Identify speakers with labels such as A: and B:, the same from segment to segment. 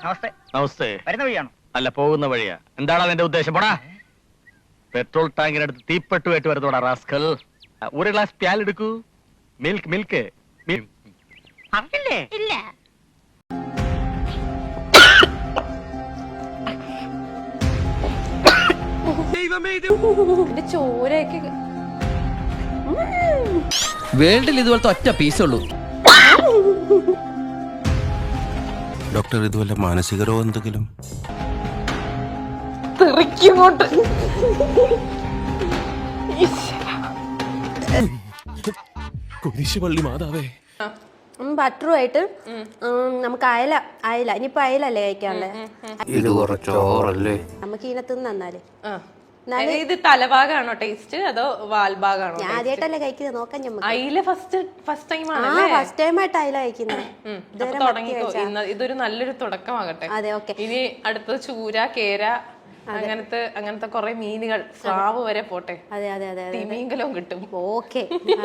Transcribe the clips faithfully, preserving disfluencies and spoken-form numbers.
A: നമസ്തേ.
B: നമസ്തേ.
A: വരുന്ന വഴിയാണോ?
B: അല്ല, പോകുന്ന വഴിയാ. എന്താണ് അതിന്റെ ഉദ്ദേശം? പോടാ. പെട്രോൾ ടാങ്കിനടുത്ത് തീപ്പെട്ടുമായിട്ട് വരുന്നോടാ റാസ്കൽ. ഒരു ഗ്ലാസ് പാൽ എടുക്കൂ. മിൽക്ക് മിൽക്ക്
A: അറിയില്ലേ?
C: ഇല്ല.
D: ചോരയൊക്കെ
E: വേൾഡിൽ ഇതുപോലത്തെ ഒറ്റ പീസേ ഉള്ളൂ.
F: ഡോക്ടർ, ഇതുവല്ല മാനസിക രോഗം എന്തെങ്കിലും?
D: തെറിക്കോട്ട്
F: കുരിശുപള്ളി മാതാവേ.
C: ബട്ടറുമായിട്ട് നമുക്ക് അയല അയല ഇനിയിപ്പോ അയലല്ലേ കഴിക്കാനുള്ളേ.
F: ഇത് കുറച്ചോറല്ലേ?
C: നമുക്ക് ഇതിനകത്ത് നന്നാല്
D: ഇത് തലഭാഗാണോ ടേസ്റ്റ് അതോ വാൽഭാഗാണോ?
C: ഞാൻ ആദ്യമായിട്ടല്ലേ കഴിക്കുന്നത്, നോക്കാൻ ഞമ്മക്ക്.
D: അയില ഫസ്റ്റ് ഫസ്റ്റ് ടൈം ആണ്
C: ഫസ്റ്റ് ടൈം ആയിട്ട് അയല കഴിക്കുന്നത്.
D: ഇതൊരു നല്ലൊരു തുടക്കമാകട്ടെ.
C: അതെ, ഓക്കെ.
D: ഇനി അടുത്തത് ചൂര, കേര, അങ്ങനത്തെ അങ്ങനത്തെ കുറെ മീനുകൾ, സ്രാവ് വരെ പോട്ടെ.
C: അതെ അതെ അതെ
D: തിമിംഗലവും കിട്ടും.
C: ഓക്കെ.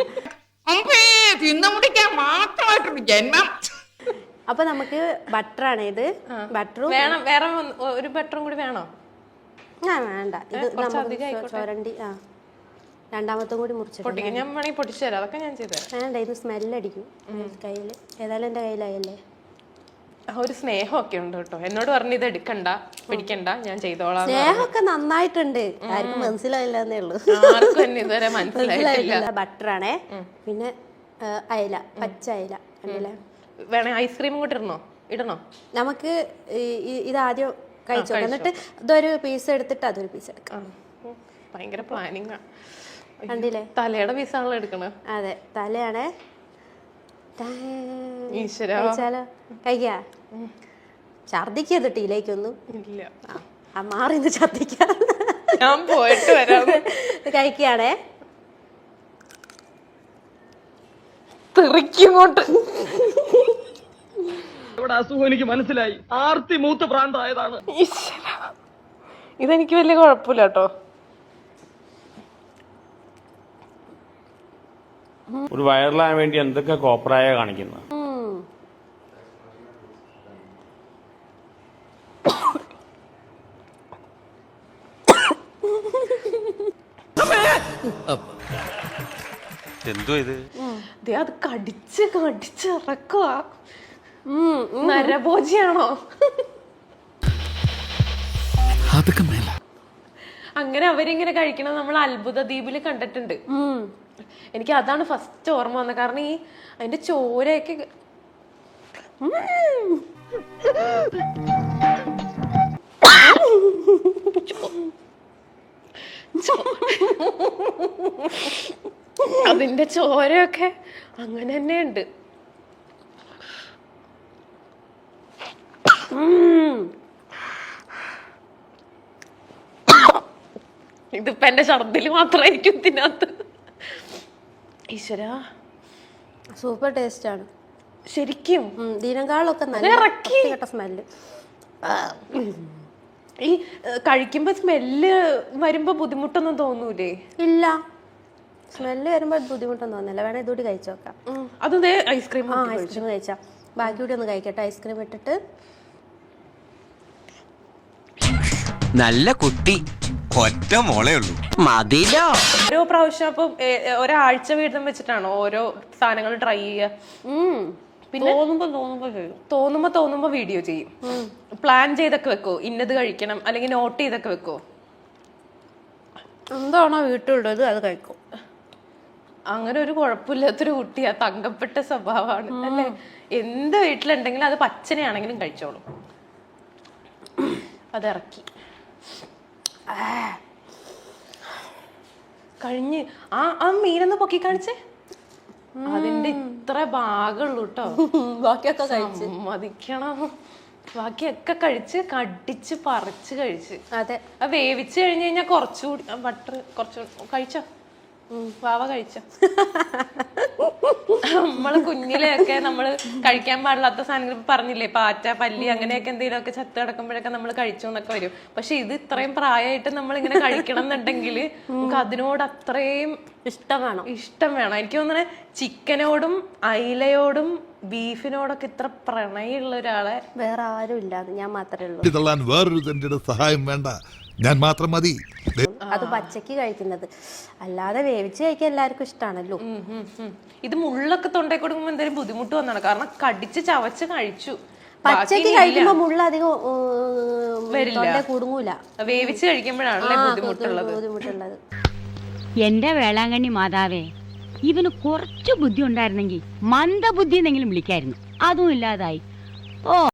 C: അപ്പൊ നമുക്ക് ബട്ടറാണ് ഇത്. ബട്ടറും
D: വേണം. വേറെ ഒരു ബട്ടറും കൂടി വേണോ?
C: ആ വേണ്ട, ഇത് നമുക്ക് ചൊരണ്ടി. ആ രണ്ടാമത്തും കൂടി മുറിച്ചിട്ട്
D: ഞാൻ വേണമെങ്കിൽ പൊട്ടിച്ചു തരാം. അതൊക്കെ ഞാൻ ചെയ്തു തരാം.
C: വേണ്ട, ഇത് സ്മെല്ലടിക്കും കയ്യില്. ഏതായാലും എന്റെ കയ്യിലായല്ലേ.
D: ഒരു സ്നേഹമൊക്കെ ഉണ്ട് കേട്ടോ. എന്നോട് പറഞ്ഞു ഇത് എടുക്കണ്ട, പിടിക്കണ്ട, ഞാൻ ചെയ്തോളാം.
C: സ്നേഹമൊക്കെ നന്നായിട്ടുണ്ട്. ആർക്കും മനസ്സിലായില്ലെന്നേ ഉള്ളൂ.
D: ആർക്കും എന്നെ ഇതുവരെ മനസ്സിലായിട്ടില്ല.
C: ബട്ടറാണേ. പിന്നെ അയല, പച്ച അയല കണ്ടില്ലേ.
D: വേണേ ഐസ്ക്രീമും കൂടി ഇടണോ? ഇടണോ?
C: നമുക്ക് ഇതാദ്യം കഴിച്ചോ, എന്നിട്ട് ഇതൊരു പീസ് എടുത്തിട്ട് അതൊരു പീസ് എടുക്കാം.
D: ഭയങ്കര പ്ലാനിങ്
C: കണ്ടില്ലേ.
D: തലയുടെ പീസാണല്ലോ എടുക്കണ.
C: അതെ, തലയാണേ.
D: കഴിച്ചാലോ?
C: കഴിക്കാ. ഛർദിക്കത് ടീലേക്കൊന്നും
D: ഇല്ല.
C: ആ മാറിന്ന് ഛർദിക്കാ.
D: ഞാൻ പോയിട്ട് വരാം.
C: കഴിക്കാണേ.
D: തെറിക്കോട്ട്
B: അസുഖം എനിക്ക് മനസ്സിലായി. ആർത്തി മൂത്ത് പ്രാന്തായതാണ്.
D: ഇതെനിക്ക് വലിയ കുഴപ്പമില്ല കേട്ടോ.
G: ഒരു വൈറലാകാൻ വേണ്ടി എന്തൊക്കെ കോപ്രായ കാണിക്കുന്നത്.
F: എന്തോ ഇത്?
D: അത് കടിച്ച് കടിച്ച് ഇറക്കുക. നരഭോജിയാണോ?
E: അതൊക്കെ മേല.
D: അങ്ങനെ അവരിങ്ങനെ കഴിക്കണം നമ്മൾ അത്ഭുത ദ്വീപില് കണ്ടിട്ടുണ്ട്. എനിക്ക് അതാണ് ഫസ്റ്റ് ഓർമ്മ വന്നത്. കാരണം ഈ അതിന്റെ ചോരയൊക്കെ അതിന്റെ ചോരയൊക്കെ അങ്ങനെ തന്നെ ഉണ്ട്. ഇതിപ്പോ എന്റെ ഛർദില് മാത്രമായിരിക്കും ഇതിനകത്ത്. ഈശ്വര,
C: സൂപ്പർ ടേസ്റ്റ് ആണ്
D: ശരിക്കും.
C: ഇതിനേക്കാളൊക്കെ നല്ല സ്മെല്ല്.
D: ഈ കഴിക്കുമ്പോ സ്മെല്ല് വരുമ്പോ ബുദ്ധിമുട്ടൊന്നും തോന്നൂലേ?
C: ഇല്ല, സ്മെല്ല് വരുമ്പോ ബുദ്ധിമുട്ടൊന്നും തോന്നില്ല. വേണേ ഇതുകൂടി കഴിച്ചു നോക്കാം.
D: അത് ഐസ്ക്രീം
C: ഐസ്ക്രീം കഴിച്ചാ ബാക്കി കൂടി ഒന്ന് കഴിക്കട്ടെ. ഐസ്ക്രീം ഇട്ടിട്ട്.
H: നല്ല കുട്ടി, ഒറ്റ മോളേ ഉള്ളൂ, മതിലോ.
D: ഓരോ പ്രാവശ്യം അപ്പൊ ഒരാഴ്ച വീതം വെച്ചിട്ടാണോ ഓരോ സാധനങ്ങൾ ട്രൈ ചെയ്യുക? പിന്നെ തോന്നുമ്പോ തോന്നുമ്പോ വീഡിയോ ചെയ്യും. പ്ലാൻ ചെയ്തൊക്കെ വെക്കോ? ഇന്നത് കഴിക്കണം അല്ലെങ്കിൽ നോട്ട് ചെയ്തൊക്കെ വെക്കോ?
C: എന്താണോ വീട്ടിലുള്ളത് അത് കഴിക്കും.
D: അങ്ങനെ ഒരു കുഴപ്പമില്ലാത്തൊരു കുട്ടിയാ. തങ്കപ്പെട്ട സ്വഭാവമാണ് അല്ലേ? എന്ത് വീട്ടിലുണ്ടെങ്കിലും അത് പച്ചനെയാണെങ്കിലും കഴിച്ചോളും. അതിറക്കി കഴിഞ്ഞ് ആ ആ മീനൊന്ന് പൊക്കി കാണിച്ചേ. അതിന്റെ ഇത്ര ഭാഗമുള്ളൂ കേട്ടോ.
C: ബാക്കിയൊക്കെ കഴിച്ച്
D: മതിക്കണം. ബാക്കിയൊക്കെ കഴിച്ച് കടിച്ച് പറിച്ച് കഴിച്ച്.
C: അതെ,
D: ആ വേവിച്ച് കഴിഞ്ഞ് കഴിഞ്ഞാൽ കുറച്ചുകൂടി ബട്ടർ കുറച്ച് കഴിച്ചോ? വാവ കഴിച്ചോ? നമ്മള് കുഞ്ഞിലെയൊക്കെ നമ്മള് കഴിക്കാൻ പാടില്ലാത്ത സാധനങ്ങൾ പറഞ്ഞില്ലേ, പാറ്റ, പല്ലി, അങ്ങനെയൊക്കെ എന്തെങ്കിലുമൊക്കെ ചത്ത് കിടക്കുമ്പോഴൊക്കെ നമ്മൾ കഴിച്ചു എന്നൊക്കെ വരും. പക്ഷെ ഇത് ഇത്രയും പ്രായമായിട്ട് നമ്മൾ ഇങ്ങനെ കഴിക്കണം എന്നുണ്ടെങ്കിൽ നമുക്ക് അതിനോട് അത്രയും
C: ഇഷ്ടം വേണം.
D: ഇഷ്ടം വേണം. എനിക്ക് തോന്നുന്നത് ചിക്കനോടും അയിലയോടും ബീഫിനോടൊക്കെ ഇത്ര പ്രണയമുള്ള ഒരാളെ
C: വേറെ ആരും ഇല്ലാതെ ഞാൻ മാത്രമേ ഉള്ളൂ.
I: തള്ളാൻ വേറൊരു തന്റെ സഹായം വേണ്ട, ഞാൻ മാത്രം മതി.
C: അത് പച്ചക്ക് കഴിക്കുന്നത്, അല്ലാതെ വേവിച്ച് കഴിക്കാൻ എല്ലാവർക്കും ഇഷ്ടമാണല്ലോ.
D: ഉം, ഉം, ഉം. ഇത് മുള്ളൊക്കെ തൊണ്ടേ കൊടുക്കുമ്പോ എന്തെങ്കിലും ബുദ്ധിമുട്ട് വന്നാണ്, കാരണം കടിച്ച് ചവച്ച് കഴിച്ചു.
C: പച്ചക്ക് കഴിക്കുമ്പോ മുള്ള അധികം
D: വരില്ല.
C: തൊണ്ടേ കുടുങ്ങൂല.
D: വേവിച്ച് കഴിക്കുമ്പോഴാണല്ലേ ബുദ്ധിമുട്ടുള്ളത്.
C: ബുദ്ധിമുട്ടുള്ളത്.
J: എന്റെ വേളാങ്കണ്ണി മാതാവേ, ഇവന് കുറച്ചു ബുദ്ധി ഉണ്ടായിരുന്നെങ്കിൽ മന്ദബുദ്ധി എന്നെങ്കിലും വിളിക്കായിരുന്നു. അതും ഇല്ലാതായി. ഓ